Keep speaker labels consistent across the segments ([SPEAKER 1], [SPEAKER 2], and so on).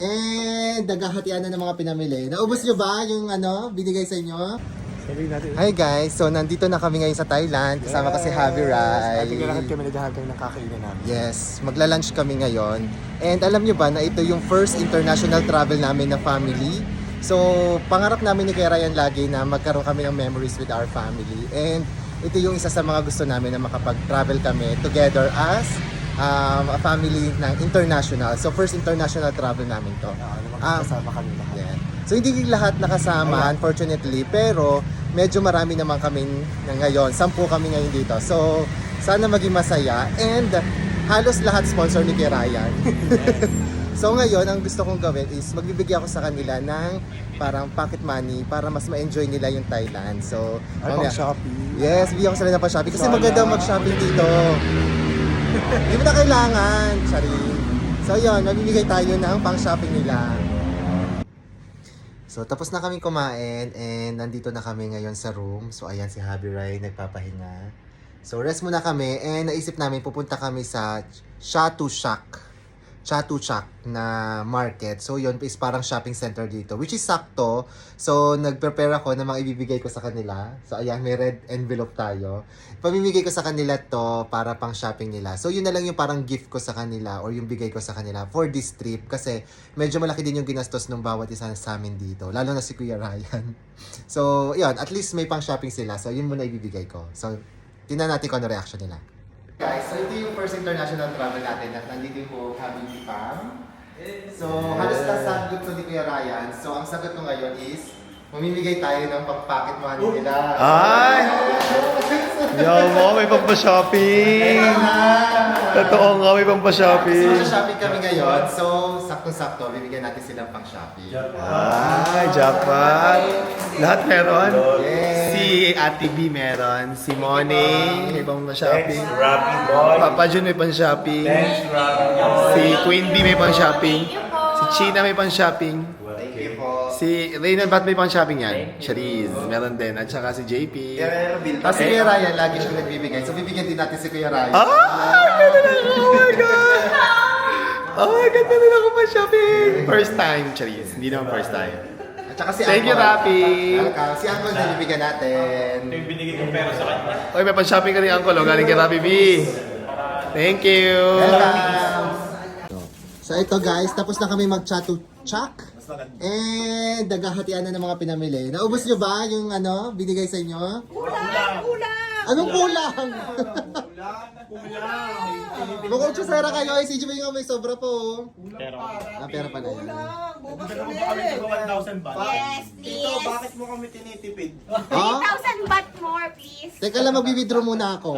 [SPEAKER 1] And naghahatian na ng mga pinamili. Naubos nyo ba yung binigay sa inyo? Hi guys! So nandito na kami ngayon sa Thailand. Kasama ko si Javi Rai.
[SPEAKER 2] Ating lahat kami naghahanap ng kakainan namin.
[SPEAKER 1] Yes, magla-lunch kami ngayon. And alam nyo ba na ito yung first international travel namin na family. So pangarap namin ni Kuya Ryan lagi na magkaroon kami ng memories with our family. And ito yung isa sa mga gusto namin na makapag-travel kami together as a family ng international. So first international travel namin to.
[SPEAKER 2] Kasama kami lahat.
[SPEAKER 1] Yeah. So hindi lahat nakasama unfortunately, pero medyo marami naman kami na ngayon. 10 kami ngayon dito. So sana maging masaya and halos lahat sponsor ni Kuya Ryan. So ngayon ang gusto kong gawin is magbibigay ako sa kanila ng parang pocket money para mas ma-enjoy nila yung Thailand. So
[SPEAKER 2] Ay, pang Shopee.
[SPEAKER 1] yes, bigyan ko sila ng pa-shopping kasi maganda mag-shopping dito. Hindi mo na kailangan, Charin. So yun, magbibigay tayo ng pang-shopping nila. So tapos na kami kumain and nandito na kami ngayon sa room. So ayan si Javi Rai nagpapahinga. So rest muna kami and naisip namin pupunta kami sa Chatuchak na market. So yun is parang shopping center dito, which is sakto. So nag-prepare ako ng mga ibibigay ko sa kanila. So ayan, may red envelope tayo. Pamimigay ko sa kanila to para pang shopping nila. So yun na lang yung parang gift ko sa kanila or yung bigay ko sa kanila for this trip. Kasi medyo malaki din yung ginastos ng bawat isa sa amin dito. Lalo na si Kuya Ryan. So yun, at least may pang shopping sila. So yun muna ibibigay ko. So tingnan natin kung ano reaction nila. Guys, so ito yung first international travel natin at nandito po kami Pam. So halos nasagot ko ni Kuya Ryan. So ang sagot ko ngayon is mamimigay tayo ng pang-pocket money nila.
[SPEAKER 2] Ay! Yo mo, may pampashopping! Totoo nga, may
[SPEAKER 1] So
[SPEAKER 2] pampashopping.
[SPEAKER 1] shopping kami ngayon. So sakto-sakto, bibigyan natin silang pang-shopping.
[SPEAKER 2] Ay, jackpot! Lahat meron?
[SPEAKER 1] Yes.
[SPEAKER 2] Si Ate B meron, si Money may pang-shopping,
[SPEAKER 3] Rapid Boy.
[SPEAKER 2] Papa Jun may pang-shopping,
[SPEAKER 3] Thanks, Rapid Boy.
[SPEAKER 2] si Queen B may pang-shopping, si China may pang-shopping,
[SPEAKER 1] Thank you po.
[SPEAKER 2] si Reynan ba't may pang-shopping yan? Shariz, meron din, at saka si JP.
[SPEAKER 1] Tapos si Kuya Ryan, lagi siya nagbibigay. So bibigyan din natin si Kuya Ryan.
[SPEAKER 2] Ganda na ako! Oh my God! Oh my God, ganda na ako pa-shopping! First time, Shariz. Hindi naman first time.
[SPEAKER 1] At saka si
[SPEAKER 2] Thank you,
[SPEAKER 1] Uncle.
[SPEAKER 2] Rapi.
[SPEAKER 1] Welcome. Si Uncle na bibigyan natin.
[SPEAKER 3] Yung binigay kong pera sa kanya.
[SPEAKER 2] Okay, may pang-shopping ka rin, Uncle. Oh, galing kay Rapi B. Thank you!
[SPEAKER 1] Welcome. So ito guys, tapos na kami mag-chatuchak. And naghahatian na ng mga pinamili. Naubos nyo ba yung binigay sa inyo?
[SPEAKER 4] Kulang!
[SPEAKER 1] Anong kulang? Mukhang chusera kayo. Eh, si Jimmy nga may sobra po.
[SPEAKER 3] Pero,
[SPEAKER 1] Pera pa na yan.
[SPEAKER 3] kami ito 1,000 ba?
[SPEAKER 4] Yes, please!
[SPEAKER 3] Bakit mo kami tinitipid?
[SPEAKER 1] Oh?
[SPEAKER 4] 3,000 baht more, please!
[SPEAKER 1] Teka lang, mag-withdraw muna ako.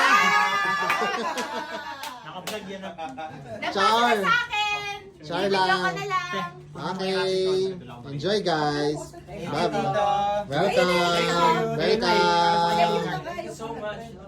[SPEAKER 3] Naka-vlog yan ang
[SPEAKER 1] Char.
[SPEAKER 4] Nagpasa sa akin!
[SPEAKER 1] Char
[SPEAKER 4] Bibigyan
[SPEAKER 1] lang.
[SPEAKER 4] ko na lang!
[SPEAKER 1] Okay. Enjoy guys. Bye.
[SPEAKER 3] Tita.
[SPEAKER 1] Welcome.
[SPEAKER 4] Thank you.
[SPEAKER 1] Welcome.
[SPEAKER 4] Thank you, guys!
[SPEAKER 3] so much.